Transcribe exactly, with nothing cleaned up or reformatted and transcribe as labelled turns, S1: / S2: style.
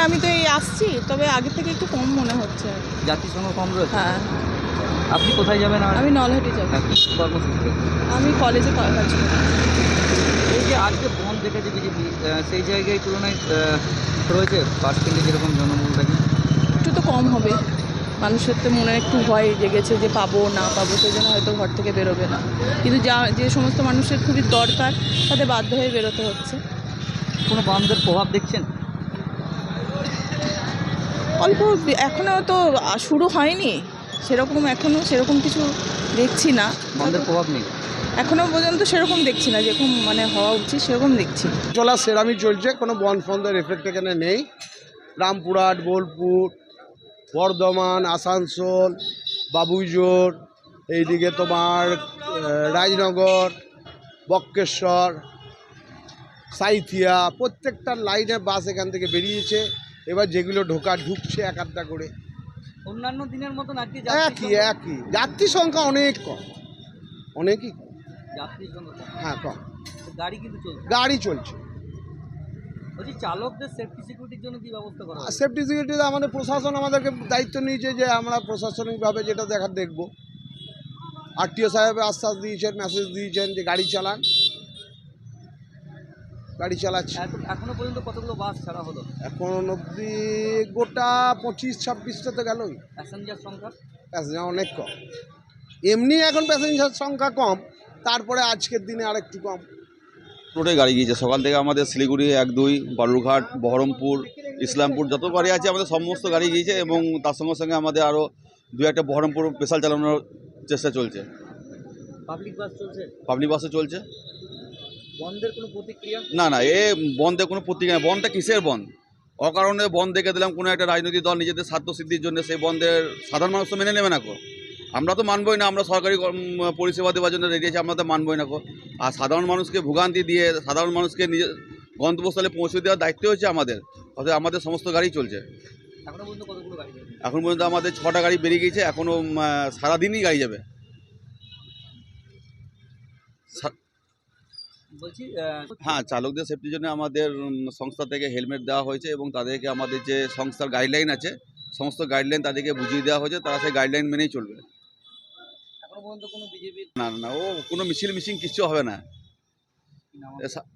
S1: আমি তো এই আসছি, তবে আগে থেকে একটু কম মনে হচ্ছে আর কি।
S2: যাত্রী সংখ্যা কম রয়েছে।
S1: হ্যাঁ,
S2: আপনি কোথায় যাবেন? আর
S1: আমি নলহাটি যাব।
S2: হ্যাঁ, কি কর্মসূচি?
S1: আমি কলেজে কাজ করি।
S2: এই যে আজকে বন্ধ দেখেছে বিজেপি, সেই জায়গায় তুলনায় আহ, রয়েছে বাস স্ট্যান্ডে যেরকম জনবল থাকে।
S1: একটু তো কম হবে, মানুষের তো মনে একটু ভয় জেগেছে যে পাবো না পাবো, সেই জন্য হয়তো ঘর থেকে বেরোবে না। কিন্তু যা যে সমস্ত মানুষের খুবই দরকার তাদের বাধ্য হয়ে বেরোতে হচ্ছে।
S2: কোনো বন্ধের প্রভাব দেখছেন?
S1: অল্প, এখনও তো আ, শুরু হয়নি সেরকম, এখনও সেরকম কিছু দেখছি না।
S2: বন্ধের প্রভাব নেই
S1: এখনও পর্যন্ত সেরকম দেখছি না, যেরকম মানে হওয়া উচিত সেরকম দেখছি না।
S3: চলা সেরামই চলছে, কোনো বন ফন্দের এফেক্ট এখানে নেই। রামপুরহাট, বোলপুর, বর্ধমান, আসানসোল, বাবুইজোর, এইদিকে তোমার আহ, রাজনগর, বক্রেশ্বর, সাইথিয়া, প্রত্যেকটা লাইনে বাস এখান থেকে বেরিয়েছে। এবার যেগুলো ঢোকা ঢুকছে এক আধটা করে।
S2: অন্যান্য দিনের মতন আজকে
S3: একই একই যাত্রী সংখ্যা অনেক কম, অনেকই কম।
S2: যাত্রী সংখ্যা কম।
S3: হ্যাঁ কম,
S2: তো গাড়ি কিন্তু চলছে।
S3: গাড়ি চলছে।
S2: বলছি চালকদের সেফটি সিকিউরিটির জন্য কি ব্যবস্থা করা হবে?
S3: সেফটি সিকিউরিটি আমাদের প্রশাসন আমাদেরকে দায়িত্ব নিয়েছে যে আমরা প্রশাসনিকভাবে যেটা দেখার দেখব। আরটিও সাহেব আশ্বাস দিয়েছেন, মেসেজ দিয়েছেন যে গাড়ি চালান, গাড়ি চালাচ্ছে।
S2: এত এখনো পর্যন্ত কতগুলো বাস ছাড়া হলো?
S3: এখন অবধি গোটা পঁচিশ ছাব্বিশটা তো গেলই।
S2: প্যাসেঞ্জার সংখ্যা?
S3: প্যাসেঞ্জার অনেক কম, এমনি এখন প্যাসেঞ্জার সংখ্যা কম, তারপরে আজকের দিনে আরেকটু কম।
S4: রোডে গাড়ি গিয়েছে সকাল থেকে। আমাদের শিলিগুড়ি এক দুই, বালুরঘাট, বহরমপুর, ইসলামপুর যত গাড়ি আছে আমাদের সমস্ত গাড়ি গিয়েছে, এবং তার সঙ্গে সঙ্গে আমাদের আরও দু একটা বহরমপুর স্পেশাল চালানোর চেষ্টা চলছে।
S2: পাবলিক বাস চলছে?
S4: পাবলিক বাসও চলছে।
S2: বন্ধের কোনো প্রতিক্রিয়া?
S4: না না, এ বন্ধে কোনো প্রতিক্রিয়া নেই। বন্ধটা কিসের বন্ধ? অকারণে বন্ধ দেখে দিলাম কোনো একটা রাজনৈতিক দল নিজেদের স্বার্থ সিদ্ধির জন্য, সেই বন্ধের সাধারণ মানুষ তো মেনে নেবে না কো। আমরা তো মানবই না, আমরা সরকারি কর্ম- পরিষেবা দেওয়ার জন্য রেডি আছি, আমরা তো মানবই না কো। আর সাধারণ মানুষকে ভোগান্তি দিয়ে সাধারণ মানুষকে নিজের গন্তব্যস্থলে পৌঁছে দেওয়ার দায়িত্ব হচ্ছে আমাদের। অর্থাৎ আমাদের সমস্ত গাড়ি চলছে।
S2: এখনো পর্যন্ত কতগুলো গাড়ি যাবে?
S4: এখন পর্যন্ত আমাদের ছটা গাড়ি বেরিয়ে গিয়েছে, এখনও সারাদিনই গাড়ি যাবে। সা-
S2: বলছি আহ,
S4: হ্যাঁ, চালকদের সেফটির জন্য আমাদের উম, সংস্থা থেকে হেলমেট দেওয়া হয়েছে, এবং তাদেরকে আমাদের যে সংস্থার গাইডলাইন আছে সমস্ত গাইডলাইন তাদেরকে বুঝিয়ে দেওয়া হয়েছে, তারা সেই গাইডলাইন মেনেই চলবে।
S2: এখনো পর্যন্ত কোনো বিজেপির
S4: না না না, ও কোনো মিছিল মিছিং কিচ্ছু হবে না। এ সা-